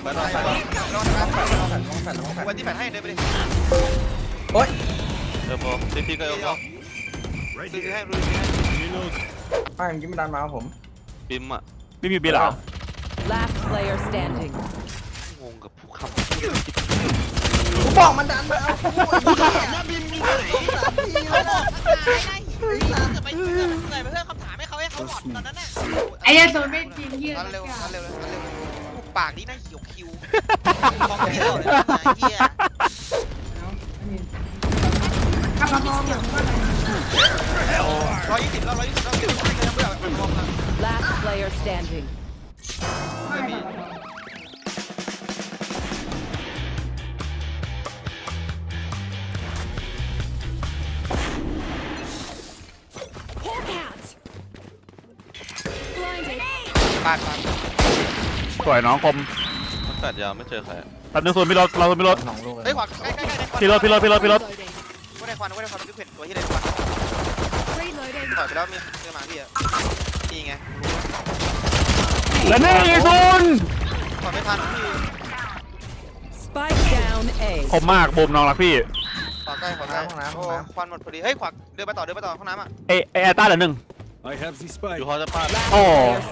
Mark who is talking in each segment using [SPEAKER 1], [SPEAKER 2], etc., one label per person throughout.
[SPEAKER 1] ไปลองวันที่แปดให้เดินไปดิโอ๊ยเดี๋ยวพอซีพีก็ยกพอซีพีให้รู้ซีให้
[SPEAKER 2] ไม่เมื่อกี้มันดันมาผม
[SPEAKER 1] ปิมอ่ะ
[SPEAKER 3] ไม่มีบีหรอ
[SPEAKER 4] Last player standing
[SPEAKER 1] งงกับผู้คำ
[SPEAKER 2] กูบอกมันดันมาเอากูถามว่าบินมีไหน
[SPEAKER 5] ไปเพื่อคำถามให้เขาหลอดตอนนั้นน่ะไอ้ยันโดนไม่จริงเหี้ย
[SPEAKER 1] เร็วปากนี่น่าหิวคิวของเที่ยวเลยเหี้ย
[SPEAKER 5] ขับมาพร้อมอย่างว่า
[SPEAKER 1] 120แล้ว
[SPEAKER 4] Last player standing
[SPEAKER 1] ปาด
[SPEAKER 3] สวยน้องคม
[SPEAKER 1] มันตัดยาวไม่เจอใคร
[SPEAKER 3] แป๊บนึงส่วนพี่รถเราส่วนพี่รถ
[SPEAKER 1] เฮ้ยขวาใกล้
[SPEAKER 3] พี่รถ
[SPEAKER 1] ก็ได้ควันทุกเห็นตัวที่ได้ควันปล่อยไปแล้วมีเจอหมาพี่อ่ะนี่ไง
[SPEAKER 3] และนี่ไงคุณ
[SPEAKER 1] ปล่อยไม่ทันพี่
[SPEAKER 4] Spike down A
[SPEAKER 3] คมมากบูมน้องรักพี่
[SPEAKER 1] ขวาใกล้ห้องน้ำควันหมดพอดีเฮ้ยขวาเดินไปต่อห้องน้ำอ่ะ
[SPEAKER 3] เอต้าเหลือ1
[SPEAKER 1] อยู่พอจะพลาด
[SPEAKER 3] โอ้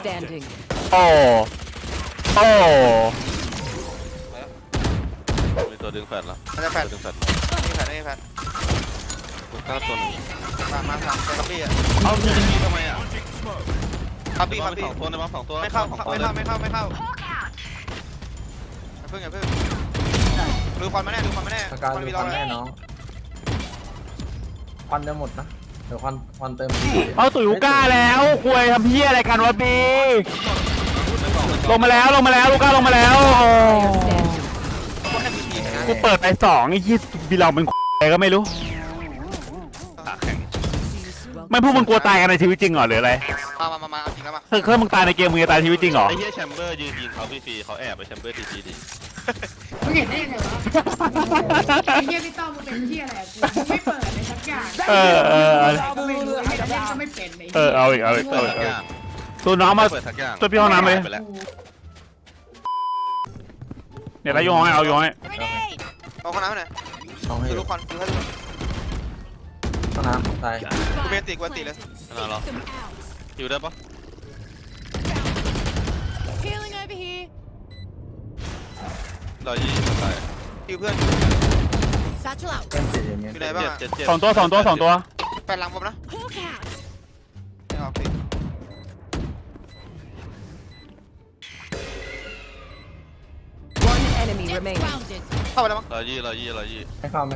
[SPEAKER 1] มีตัวดึงแฟนแล้วจะแฟนดึงแฟนนี่แฟนกูกล้าตัวนึงมาทำครับพี่อ่ะเอายิงทำไมอ่ะครับพี่2ตัวในบ้าน2ตัวไม่เข้าเพิ่งอย่าเพิ่งดูควันมาแน่
[SPEAKER 2] การดูควันแน่น้องควันจะหมดนะเดี๋ยวควันเติม
[SPEAKER 3] เอาตุ๋ยลูก้าแล้วคุยทำเพี้ยอะไรกันวะบีลงมาแล้วลูก้าลงมาแล้วกูเปิดไป2ไอ้ที่บีเราเป็นอะไรก็ไม่รู้ไม่พวกมึงกลัวตายกันในชีวิตจริงเหรอหรืออะไร
[SPEAKER 1] มาจริงแล้วมา
[SPEAKER 3] เคยมึงตายในเกมมึงจะตายในชีวิตจริงเหรอ
[SPEAKER 1] ไอ้เหี้ยแชมเบอร์ยืนยิงเขาฟรีเขาแอบไปแชมเบอร์ทีดิ
[SPEAKER 5] มึงเห็นได้ยังไงวะไอ้เหี้ยพี่ต้อมมึงเป็นเหี้ยอะไรกูไม่เปิดเลยสักอย่างก็ไม่รู้ไอ้เล่นก็ไม่เป็น
[SPEAKER 3] เอาอีกตัวน้องมาตัวพี่ห้องน้ำเลยเนี่ยแล้วย้อยเอาย้อย
[SPEAKER 1] เอาห้องน้ำหน่อยดูควันดูให้ดู
[SPEAKER 2] ห้องน้ำตาย
[SPEAKER 1] กูเป็นตีเลยนั่นเหรออยู่ได้ปะเรายิงตายคิวเพื่อนอยู่ไหนบ้าง
[SPEAKER 3] 2 ตัว
[SPEAKER 1] แฟนหลังผมนะไม่ออกสิเข้าไปแล้วมั้งเรายี่
[SPEAKER 2] ไม่เข้า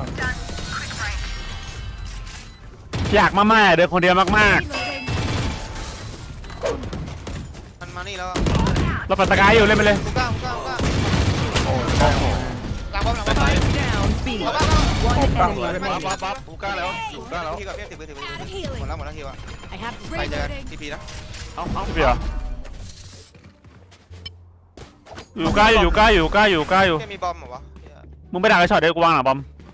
[SPEAKER 3] อยากมากๆเดินคนเดียวมาก
[SPEAKER 1] มันมานี่แล้ว
[SPEAKER 3] เราปัดตะกายอยู่เล่นไปเลย
[SPEAKER 1] กูกล้า
[SPEAKER 2] โอ้
[SPEAKER 1] หลังบอล
[SPEAKER 4] Down B
[SPEAKER 1] ปั๊บกูกล้าแล้วพี่กับพี่ถือหมดแล้วคิวอ่ะไปเจอทีพีนะ
[SPEAKER 3] เอาพี่เหรออยู่ใกล้อยู่
[SPEAKER 1] มีบอมเหรอวะ
[SPEAKER 3] มึงไปดักไอ้ช็อตเดี๋ยวกูวางหลังบอม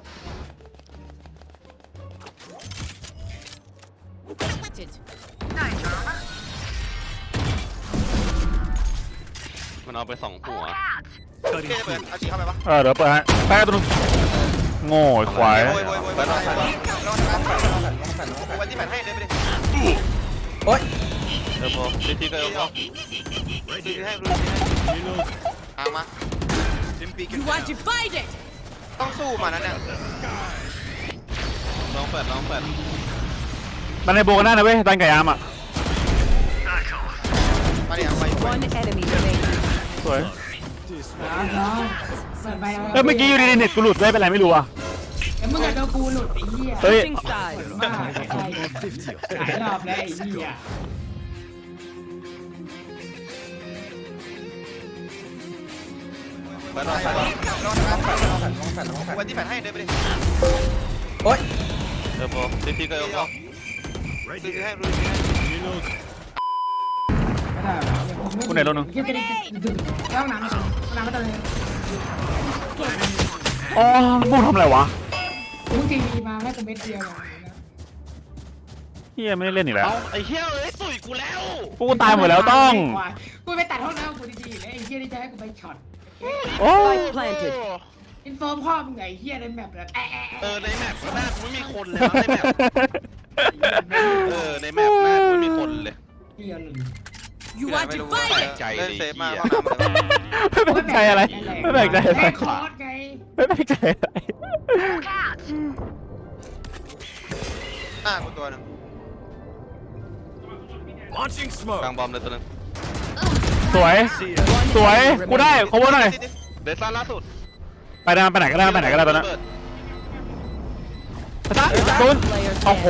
[SPEAKER 1] มันเอาไป2หัวเปิดเอาจีเข้าไปปะ
[SPEAKER 3] เดี๋ยวเปิดให้แป๊บนึงโง่ควาย
[SPEAKER 1] วันที่8ให้เดินไปดิ
[SPEAKER 2] โอ๊ย
[SPEAKER 1] เดี๋ยวพอซีพีก็ยกพอซีพีให้รู้มาต้องสู้มานั่นเนี่ยลองแปด
[SPEAKER 3] มันในโบกันได้นะเว้ยดันไก่ยามอ่ะ
[SPEAKER 1] มาดิเอาไป
[SPEAKER 3] สวยเมื่อกี้อยู่ดีเน็ตกูหลุดได้เป็นไรไม่รู้อ่ะ
[SPEAKER 5] แล้วมึงจะโดนกูหลุดไอ้เหี้ย
[SPEAKER 3] เฮ้ย
[SPEAKER 5] หลายรอบแล้วไอ้เหี้ย
[SPEAKER 1] วันที่8ให้เดินไปดิ
[SPEAKER 2] โอ๊ย
[SPEAKER 1] เดี๋ยวพอซีพีก็ยกพอซีพีให้รู้
[SPEAKER 3] กูไหนรถนึง
[SPEAKER 5] ห้องน้ำไม่ต้องเลย
[SPEAKER 3] อ๋อบูทำอะไรวะ
[SPEAKER 5] มึงทีวีมาแค่ตัวเม็ดเดียว
[SPEAKER 3] เฮียไม่ได้เล่นอีกแล้ว
[SPEAKER 1] ไอ้เฮียตุ๋ยกูแล้ว
[SPEAKER 3] กูตายหมดแล้วต้อง
[SPEAKER 5] กูไปตัดห้องน้ำกูดีๆแล้วไอ้เฮียนี่จะให้กูไปช็อต
[SPEAKER 3] โอ้
[SPEAKER 4] Spike planted.
[SPEAKER 5] อินโฟมพ่อมึงไงเฮียในแมปแบบ
[SPEAKER 1] ในแมปหน้ากูไม่มีคนเลยในแมปในแมปหน้ากูไม่มีคนเลย
[SPEAKER 5] เฮียเลย
[SPEAKER 4] You want to fight it?
[SPEAKER 1] ใจ
[SPEAKER 2] เล่น
[SPEAKER 1] เลย
[SPEAKER 2] เซฟมา
[SPEAKER 1] เหี้ย
[SPEAKER 3] ไม่แปลกใจอะไรไม่แปลกใจอะไร
[SPEAKER 5] แม่คอร์สไง
[SPEAKER 3] ไม่แปลกใจอะไร
[SPEAKER 2] หน้ากูตัวหนึง
[SPEAKER 1] กลางบอมเลยตัวนึง
[SPEAKER 3] สวยสวยกูได้ขอวนหน่อย
[SPEAKER 1] เดซ่าล่าสุด
[SPEAKER 3] ไปได้ไปไหนก็ได้ไปไหนก็ได้ตอนนั้นตุนโอ้โห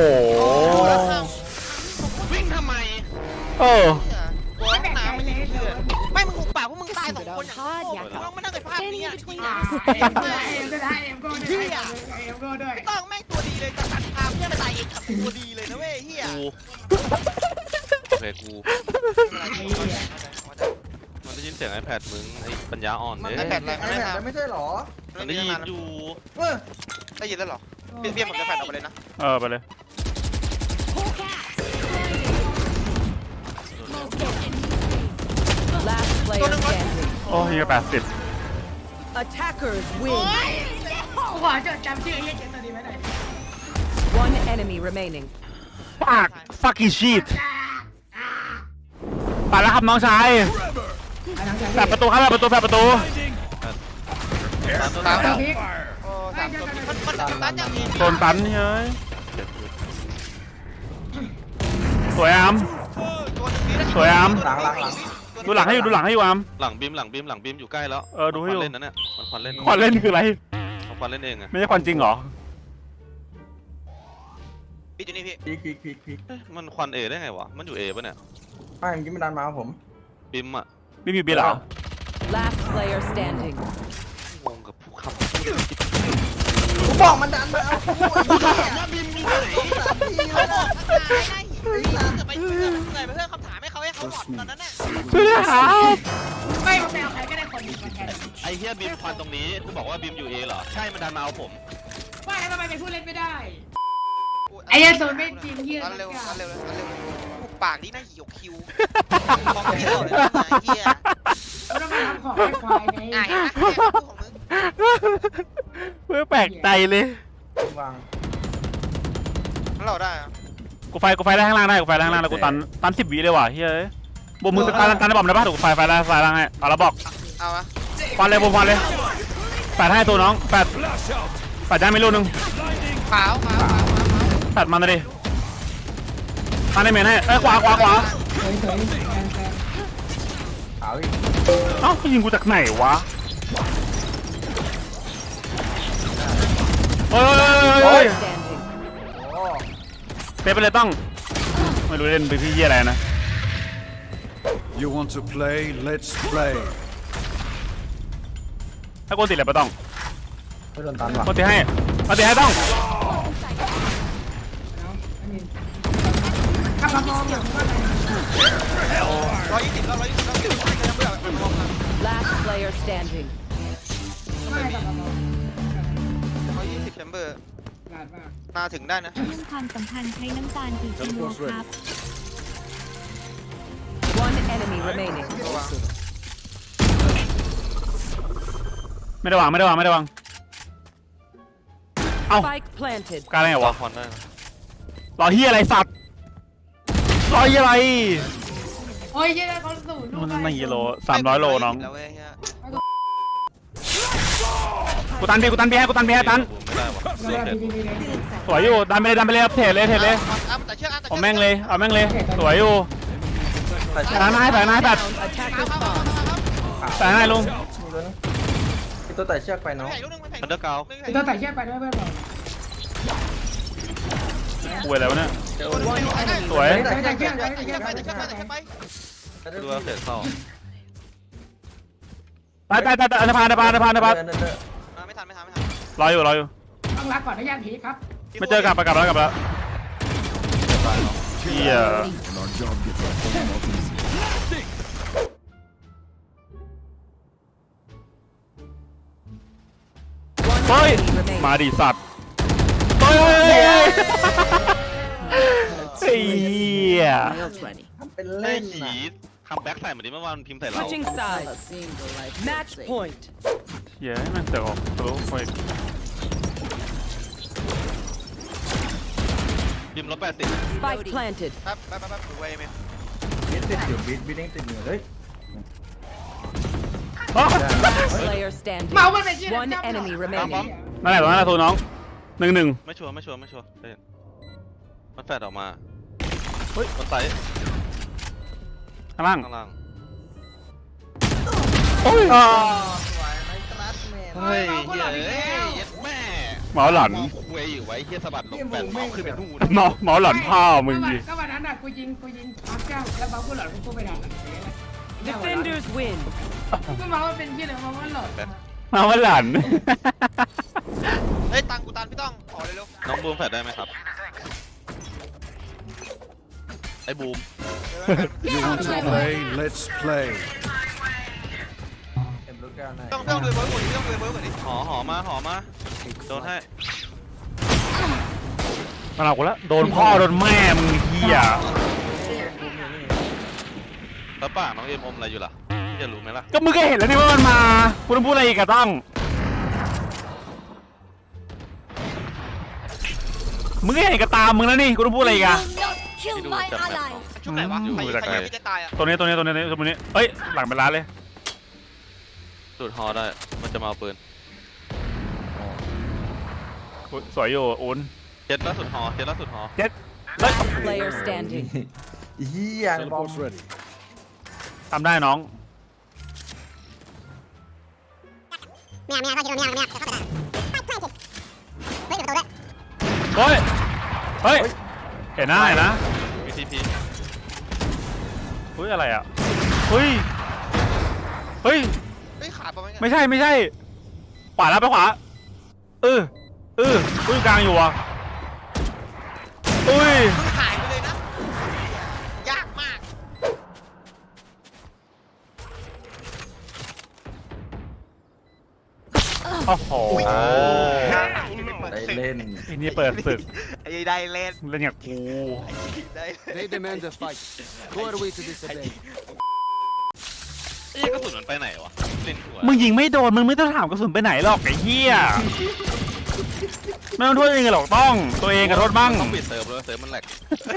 [SPEAKER 1] วิ่งทำไม
[SPEAKER 3] เออ
[SPEAKER 2] กลัว
[SPEAKER 5] ไม่
[SPEAKER 2] ห้อง
[SPEAKER 5] แบ่งใจ
[SPEAKER 2] น้ำ
[SPEAKER 5] เลยเดี๋ยว
[SPEAKER 2] ไม่มึงหุบปากพวกมึงตาย2 คนอย่างโง่ต้องมานั่งในภาพนี้อ่ะ
[SPEAKER 5] เอ็มก็ได้เอ็มก็ได้เอ็มก็ด้วย
[SPEAKER 2] ไม่ต้องแม่งตัวดีเลยจะตัดภาพเพื่อนไปตายเองกับตัวดีเลยนะเว้ยเฮีย
[SPEAKER 1] กูโอเคกูมันได้ยินเสียง iPad มึงไอ้ปัญญาอ่อน
[SPEAKER 2] มัน
[SPEAKER 1] เนี่ย
[SPEAKER 2] ไอแพดอะไรมันไม่ทำ
[SPEAKER 6] ไม่ใช่หรอ
[SPEAKER 1] มันได้ยินอยู่
[SPEAKER 2] ได้ยินแล้วหรอเพี้ยนผมจะแพดออกไปเลยนะ
[SPEAKER 3] เออไปเลย
[SPEAKER 4] Last player standing.
[SPEAKER 3] โอ้ย80
[SPEAKER 4] Attackers
[SPEAKER 5] โอ้
[SPEAKER 4] win.
[SPEAKER 5] ยขอจดจำชื่อไอ้เหี้ยเจ๋งตัวนี้ไว้หน่อย
[SPEAKER 4] One enemy remaining.
[SPEAKER 3] fuck fucking shit ไปแล้วครับน้องชายแฝดประตูครับแฝดประตูแฝดประตู
[SPEAKER 2] ตาม
[SPEAKER 5] ตามพริก
[SPEAKER 2] โอ้สามตัวมันตันอย่างนี้
[SPEAKER 3] โดนตันเฮ้ยสวยอาม สวยอาม ดูหลังให้อยู่ดูหลังให้อยู่อาม
[SPEAKER 1] หลังบีมอยู่ใกล้แล้ว
[SPEAKER 3] เออดูให้อยู่
[SPEAKER 1] เล่นนะเนี่ยมันควันเล่น
[SPEAKER 3] ควันเล่นคืออะไร
[SPEAKER 1] มันควันเล่นเองอะ
[SPEAKER 3] ไม่ใช่ควันจริงเหรอ
[SPEAKER 2] ปิดอยู่นี่พี่
[SPEAKER 6] พีก
[SPEAKER 1] มันควันเอได้ไงวะมันอยู่เอป่ะเนี่ย
[SPEAKER 6] ไม่ยังไม่ดันมาผม
[SPEAKER 1] บีมอะ
[SPEAKER 3] ไม่มีเบียร์เหรอ
[SPEAKER 4] Last player standing.
[SPEAKER 1] งงกับผู้ขับ
[SPEAKER 6] กูบอกมันดันมาเอากูถามว่า
[SPEAKER 1] บีมอยู่ไหน
[SPEAKER 2] เขาบอกจะไปเพื่อนเหนื่อยไปเพื่อนคำถามให้เขาให้เขาหลอดตอนนั้นน่ะ
[SPEAKER 3] ช่วยด้วยครับ
[SPEAKER 5] ไม่มาแปลใครก็ได้คนหนึ่งมาแทน
[SPEAKER 1] ไอ้เฮียบีมควันตรงนี้กูบอกว่าบีมอยู่เอเหรอใช่มันดันมาเอาผม
[SPEAKER 5] ว่าแล้วทำไมเป็นผู้เล่นไม่ได้ไอ้ยันโซนไม่จริงเฮีย
[SPEAKER 2] อัน
[SPEAKER 5] สัก
[SPEAKER 2] เร็ว
[SPEAKER 5] อย่าง
[SPEAKER 2] อันเร็วอันเร็วหุบปากนี่น่าหิวคิวของพี่เราเลยนะเฮีย
[SPEAKER 5] เราต้องมาทำของให้ควายไง
[SPEAKER 2] อ่ะเห็นไหมพูดของมึง
[SPEAKER 3] ไม่แปลกใจเลย
[SPEAKER 6] วาง
[SPEAKER 2] เราได้อะ
[SPEAKER 3] กูไฟได้ข้างล่างได้กูไฟได้ข้างล่างแล้วกูตัน10 วิเลยว่ะเฮ้ยบวมมือตันได้บอกได้ป่ะถูกไฟได้ไฟล่างให้เอาแล้วบอก
[SPEAKER 2] เอาละ
[SPEAKER 3] ฟันเลยบวมฟันเลยแปดให้ตัวน้องแปดได้ไม่รู้นึง
[SPEAKER 2] ขาว
[SPEAKER 3] แปดมันเลยดิตันได้เมนให้ขวา
[SPEAKER 5] เฉยแฟน
[SPEAKER 6] ขาวอีก
[SPEAKER 3] เอ้ายิงกูจากไหนวะโอ้ย
[SPEAKER 4] Standing.
[SPEAKER 6] โอ้
[SPEAKER 3] เซฟไปเลยต้องไม่รู้เล่นไปพี่เยี่ยอะไรนะ
[SPEAKER 7] You want to play? Let's play.
[SPEAKER 3] ถ้าโกนติดอะไรปะต้อง
[SPEAKER 6] ไม่โดนตันว่ะ
[SPEAKER 3] โกนติดให้ต้อง
[SPEAKER 5] กลับมามองอย่างว่าอะไร
[SPEAKER 2] 120แล้วยังเบื่อมอง
[SPEAKER 4] Last player standing.
[SPEAKER 5] ไม่กลับมามอง
[SPEAKER 2] 120แชมเบอร์
[SPEAKER 5] หลาดมาก
[SPEAKER 2] มาถึงได้นะ
[SPEAKER 8] เรื่องความสัมพันธ์ใช้น้ำตาลกี่กิโลครับ
[SPEAKER 4] One enemy remaining.
[SPEAKER 2] ระวัง
[SPEAKER 3] ไม่ได้วางเอ้า
[SPEAKER 4] Spike planted.
[SPEAKER 3] การอะไร
[SPEAKER 1] วาว
[SPEAKER 3] ะ
[SPEAKER 1] ควันได้นะ
[SPEAKER 3] รอเฮียอะไรสัตว์รอเฮียอะไร
[SPEAKER 5] โอ้ยเยอะเขาสูงลูก
[SPEAKER 3] มันกี่โล300 โลน้อง
[SPEAKER 2] แล้วเว้ยเฮีย
[SPEAKER 3] กูตันพี่ให้ตัน
[SPEAKER 1] ไม่ได้วะ
[SPEAKER 5] ไม่
[SPEAKER 1] เล่
[SPEAKER 5] ได้
[SPEAKER 1] น
[SPEAKER 5] ดี
[SPEAKER 1] เด็ด
[SPEAKER 5] ดีดี
[SPEAKER 3] สวยอยู่ดันไปเลยเทรดเลย
[SPEAKER 2] แต่เชือก
[SPEAKER 3] เอาแม่งเลยสวยอยู่
[SPEAKER 6] แต่
[SPEAKER 3] แฝงนายแฝง
[SPEAKER 4] Attacker spawn.
[SPEAKER 3] แฝงนายลุง
[SPEAKER 6] มีตัวไต่เชือกไปเนาะ
[SPEAKER 1] อันเดอร์กาว
[SPEAKER 5] ตัวแต่เชือกไปด้วยเพื่อนบอก
[SPEAKER 3] คุยอะไรวะเนี่ย
[SPEAKER 4] One enemy.
[SPEAKER 3] สวย
[SPEAKER 5] แต่เชือก
[SPEAKER 2] ไป
[SPEAKER 1] ดูว่าเสร็จเข้า
[SPEAKER 3] ตายอันธพาล
[SPEAKER 6] เดิน
[SPEAKER 2] ไม่ทัน
[SPEAKER 3] รออยู่
[SPEAKER 5] ต้องรักก่อนนะย่านผีครับ
[SPEAKER 3] ไม่เจอกลับแล้วเฮีย
[SPEAKER 7] And our job gets a whole lot easier.
[SPEAKER 3] เฮ้ย
[SPEAKER 4] Enemy remaining.
[SPEAKER 3] มาดิสัตว์เฮ้ยเฮีย
[SPEAKER 6] ทำเป็น
[SPEAKER 1] ได้
[SPEAKER 6] เล่น
[SPEAKER 1] ขี่
[SPEAKER 6] นะ
[SPEAKER 1] คัมแบ็กใส่เหมือนที่เมื่อวานพิมพ์ใส่เรา
[SPEAKER 4] Switching sides. Match point.
[SPEAKER 3] เหี้ยมันเสือกออกทะลุไป
[SPEAKER 1] พิมพ์180
[SPEAKER 4] Spike planted.
[SPEAKER 2] แป๊บดูไว้ไหม
[SPEAKER 6] บิดติดอยู่บิดเองติดอยู่เฮ้ย
[SPEAKER 4] Last player standing.
[SPEAKER 5] เมามันเป็นเชี่ย
[SPEAKER 4] One enemy remaining.
[SPEAKER 3] นั่นแหละตรงนั้นแหละตัวน้อง1-1
[SPEAKER 1] ไม่ชัวร์เห็นมันแฟดออกมาเฮ้ยมันไต่
[SPEAKER 3] ข้างล่าง
[SPEAKER 1] ข้างล่าง
[SPEAKER 3] โอ้ย
[SPEAKER 6] สวยไหมคลาสแมน
[SPEAKER 1] เฮ้ยเหี้ยเย็ดแม่
[SPEAKER 3] หมอหลอน
[SPEAKER 1] มองคุยอยู่ไว้เฮียสะบัดลงแฟดมองขึ้นไปนู่น
[SPEAKER 3] หมอหลอนพ่อมึงดิ
[SPEAKER 5] ก็วันนั้นอ่ะกูยิงพักเจ้าแล้วบางกูหลอดกูไปดัน
[SPEAKER 4] Defenders win.
[SPEAKER 5] กูเมามันเป็นเชี่ยเลยเมามันหลอด
[SPEAKER 3] หมอหลอน
[SPEAKER 2] เฮ้ยตังกูตันพี่ต้องขอเลยเร็ว
[SPEAKER 1] น้องบูมแฟดได้ไหมครับไอ้บูม
[SPEAKER 7] You want to play? Let's play.
[SPEAKER 6] เต็มลูกแก้วไหน
[SPEAKER 2] ต้องดูเบอร์กว่านี้ต้องดูเบอร์กว่านี้
[SPEAKER 1] หอมาโดนให้
[SPEAKER 3] มาเอากูละโดนพ่อโดนแม่มึงเหี้ย
[SPEAKER 1] แล้วปากน้องเอ็มอมอะไรอยู่ล่ะพี่จะรู้ไหมล่ะ
[SPEAKER 3] ก็มึงก็เห็นแล้วนี่ว่ามันมากูต้องพูดอะไรอีกอะต้องมึงก็เห็นกับตามึงแล้วนี่กูต้องพูดอะไรอีกอะ
[SPEAKER 1] ที่ดูจากแมป
[SPEAKER 2] ชุดไหนวะใครพี่จะตายอ่ะ
[SPEAKER 3] ตัวนี้เฮ้ยหลังเป็นร้านเลย
[SPEAKER 1] ดูดฮอได้มันจะมาเอาปืน
[SPEAKER 3] อุ๊ยสวยอยู่อุ่น
[SPEAKER 1] เจ็ดล่าสุดฮอ
[SPEAKER 3] เฮ้ย
[SPEAKER 4] Last player standing.
[SPEAKER 6] เฮียบอม
[SPEAKER 7] Teleport's ready.
[SPEAKER 3] ทำได้น้องเฮ้ยเห็นหน้าเห็นนะ
[SPEAKER 1] VTP
[SPEAKER 3] เฮ้ยอะไรอ่ะเฮ้ย
[SPEAKER 2] เฮ้ยขาประมาณนี้
[SPEAKER 3] ไม่ใช่ขวาแล้วไปขวาอุ้ยกลางอยู่อ่ะอุ้ย
[SPEAKER 2] หายไปเลยนะยากมาก
[SPEAKER 3] โอ้โห
[SPEAKER 6] ได้เล่น
[SPEAKER 3] ไอ้นี่เปิดศึก
[SPEAKER 2] ไอ้ได้เล่น
[SPEAKER 3] เล่นอย่างกู
[SPEAKER 2] ได้
[SPEAKER 7] They demand a fight. Who are we to disobey?
[SPEAKER 1] ไอ้กระสุนมันไปไหนวะเล่นหัว
[SPEAKER 3] มึงยิงไม่โดนมึงไม่ต้องถามกระสุนไปไหนหรอกไอ้เหี้ยไม่ต้องโทษเองหรอกต้องตัวเองกับโทษบ้าง
[SPEAKER 1] ต้องปิดเซิร์ฟเลยเซิร์ฟมันแหลก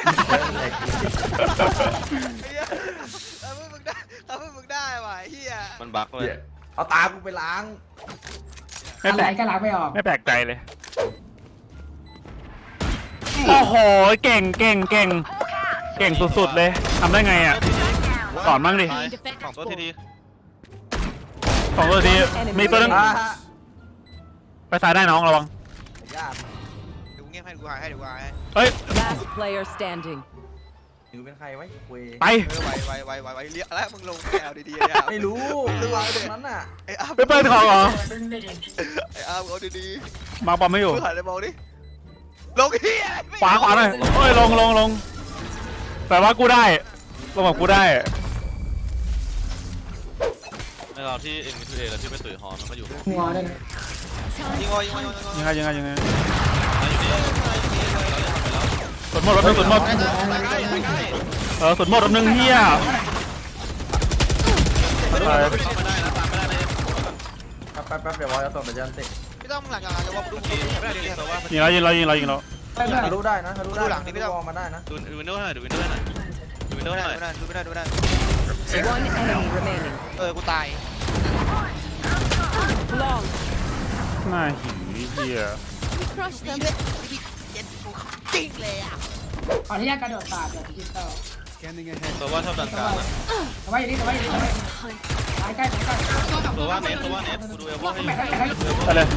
[SPEAKER 2] ถ้ามึงได้ว่ะเฮีย
[SPEAKER 1] มันบั๊กเลย
[SPEAKER 6] เอาตากูไปล้าง
[SPEAKER 3] ไม่
[SPEAKER 5] อะ
[SPEAKER 3] แป
[SPEAKER 5] ไร
[SPEAKER 3] ลก
[SPEAKER 5] ก็ล้างไม่ออก
[SPEAKER 3] ไม่แปลกใจเลยโอ้โหเก่งสุดๆเลยทำได้ไงอ่ะสอนบ้างดิ
[SPEAKER 1] สองตัวที
[SPEAKER 3] 2 ตัวทีมีตัวนึง
[SPEAKER 6] อ่า
[SPEAKER 3] ไปซ้ายได้น้องระวัง
[SPEAKER 6] ยาก
[SPEAKER 2] ดูเงียบให้ดูหายให้ดูหายให้
[SPEAKER 3] เฮ้ย
[SPEAKER 4] Last player standing.
[SPEAKER 6] นิวเป็นใครไว้เวย
[SPEAKER 3] ไป
[SPEAKER 2] ไวเรียกแล้วมึงลงแอลดีๆเนี่ย
[SPEAKER 6] ไม่รู้ดูวางตรงนั้นน่ะ
[SPEAKER 2] ไอ้อาร์ม
[SPEAKER 3] ไปเปิดของเหรอ
[SPEAKER 2] ไอ้อาร์มเอาดี
[SPEAKER 3] มาบอลไม่อยู่
[SPEAKER 2] ๆมึงหันไปมองดิลงเฮีย
[SPEAKER 3] ขวาหน่อยเฮ้ยลงแต่ว่ากูได้ลงกับกูได้
[SPEAKER 1] ในเราที่ M2A แล้วที่ไปตุ๋ยฮอมันก็อยู่
[SPEAKER 5] งอได้นะ
[SPEAKER 2] ยิงวอยิงวอยิงวอ
[SPEAKER 3] ยังไง
[SPEAKER 1] อยู่นี่
[SPEAKER 3] สุดหมดรถนึงสุดหมด
[SPEAKER 2] ใกล้
[SPEAKER 3] สุดหมดรถนึงเฮีย
[SPEAKER 1] ไม่ได้นะตามไม่ได้เลย
[SPEAKER 6] แป๊บเดี๋ยววอลจะส่งแต่ยันติ
[SPEAKER 2] พี่ต้องหลังจากจะว่าดูไม่ได้ดิ
[SPEAKER 1] แต่ว่า
[SPEAKER 3] ยิงแล้ว
[SPEAKER 6] ทะลุได้นะทะลุได้ทะลุวอลมาได้นะ
[SPEAKER 1] ดูวินโดว์หน่อยดูวินโดว์หน่อยดูวินโดว์หน่อย
[SPEAKER 2] ไม่ได้
[SPEAKER 4] One enemy remaining.
[SPEAKER 2] กูตาย
[SPEAKER 4] Long.
[SPEAKER 3] หน้าหินเฮีย
[SPEAKER 2] นี่เล่นเย็นกูจริงเลยอ่ะ
[SPEAKER 5] ขออนุญาตกระโดดปาดแบบดิจิตอล
[SPEAKER 7] Scanning ahead.
[SPEAKER 1] ตัวว่าชอบดันกลางนะ
[SPEAKER 5] แต่ว่าอย่างนี้ตายใกล้
[SPEAKER 1] ตัวว่าเน็ตกูดูเอเวอร์ให้อยู่
[SPEAKER 3] ไปเลย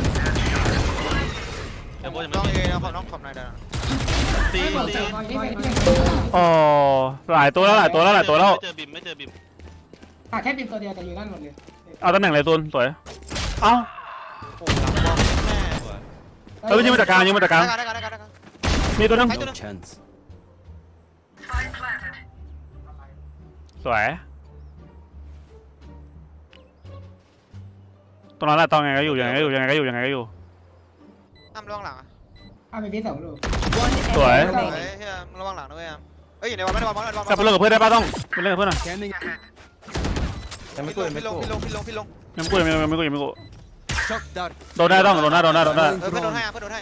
[SPEAKER 1] เอเวอร์ยัง
[SPEAKER 2] ต้
[SPEAKER 1] ไม่
[SPEAKER 2] อง
[SPEAKER 1] มี
[SPEAKER 2] เอนะขอน้องขอบนายได้
[SPEAKER 1] ตี
[SPEAKER 3] อ๋อหลายตัวแล้ว
[SPEAKER 1] ไม่เจอบิม
[SPEAKER 5] แค่บินตัวเดียวแต่อยู่นั่นหมดเลย
[SPEAKER 3] เอาตำแหน่งอะไรตัวสวยเอ้า
[SPEAKER 2] โอ้หลังบอลแม่
[SPEAKER 3] ยิงมาจากกลางมีตัวนึง
[SPEAKER 7] No chance.
[SPEAKER 3] สวยตรงนั้นแหละตอนไงก็อยู่ยังไงก็อยู่
[SPEAKER 2] อ้ามระวังหลังอ่ะ
[SPEAKER 5] เอาไปพี่2 ลูก
[SPEAKER 4] One
[SPEAKER 3] Tuổi.
[SPEAKER 4] enemy
[SPEAKER 2] เฮ้ย
[SPEAKER 4] remaining.
[SPEAKER 2] เฮียระวังหลังนะเว้ยไปอ้ยอยู่ในวันไม่ได้วัน
[SPEAKER 3] กลับไปเล่นกับเพื่อนได้ป่ะต้องไปเล่นกับเพื่อนหน่อย
[SPEAKER 7] Scanning.
[SPEAKER 6] ยังไม่กูยังไม่
[SPEAKER 2] พี่ลง
[SPEAKER 6] กู
[SPEAKER 2] พี่ลง
[SPEAKER 3] ยังไม่กู
[SPEAKER 7] Shock dart.
[SPEAKER 3] โดนได้ต้องโดนได้
[SPEAKER 2] เพื่อนโดนให้เพื่อนโดนให้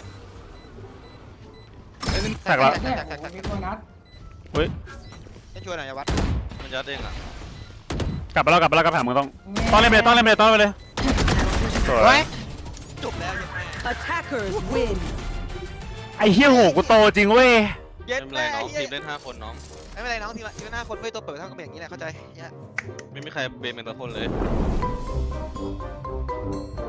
[SPEAKER 3] แตกแล้ว
[SPEAKER 5] เนี่ยโอ้โหมีตัวนัด
[SPEAKER 3] เฮ้ย
[SPEAKER 2] ให้ช่วยหน่อยอย่าวัด
[SPEAKER 1] มันยัดเองอ่ะ
[SPEAKER 3] กลับไปแล้วกลับแผงมึงต้องเล่นไปเลยสวย
[SPEAKER 2] จบแล้วยังไง
[SPEAKER 4] Attackers win.
[SPEAKER 3] ไอ้เหี้ยโหกูโตจริงเว้ย
[SPEAKER 2] เย็
[SPEAKER 1] ไม่
[SPEAKER 2] ด
[SPEAKER 1] เป็นไร
[SPEAKER 2] แม่
[SPEAKER 1] น้องทีมเล่น5 คนน้อง
[SPEAKER 2] ไม่เป็นไรน้องทีมหน้าคนไม่ตัวเปิดเท่ากับอย่างนี้แหละเข้าใจ
[SPEAKER 1] ไม่มีใครเบนเป็นตัวคนเลย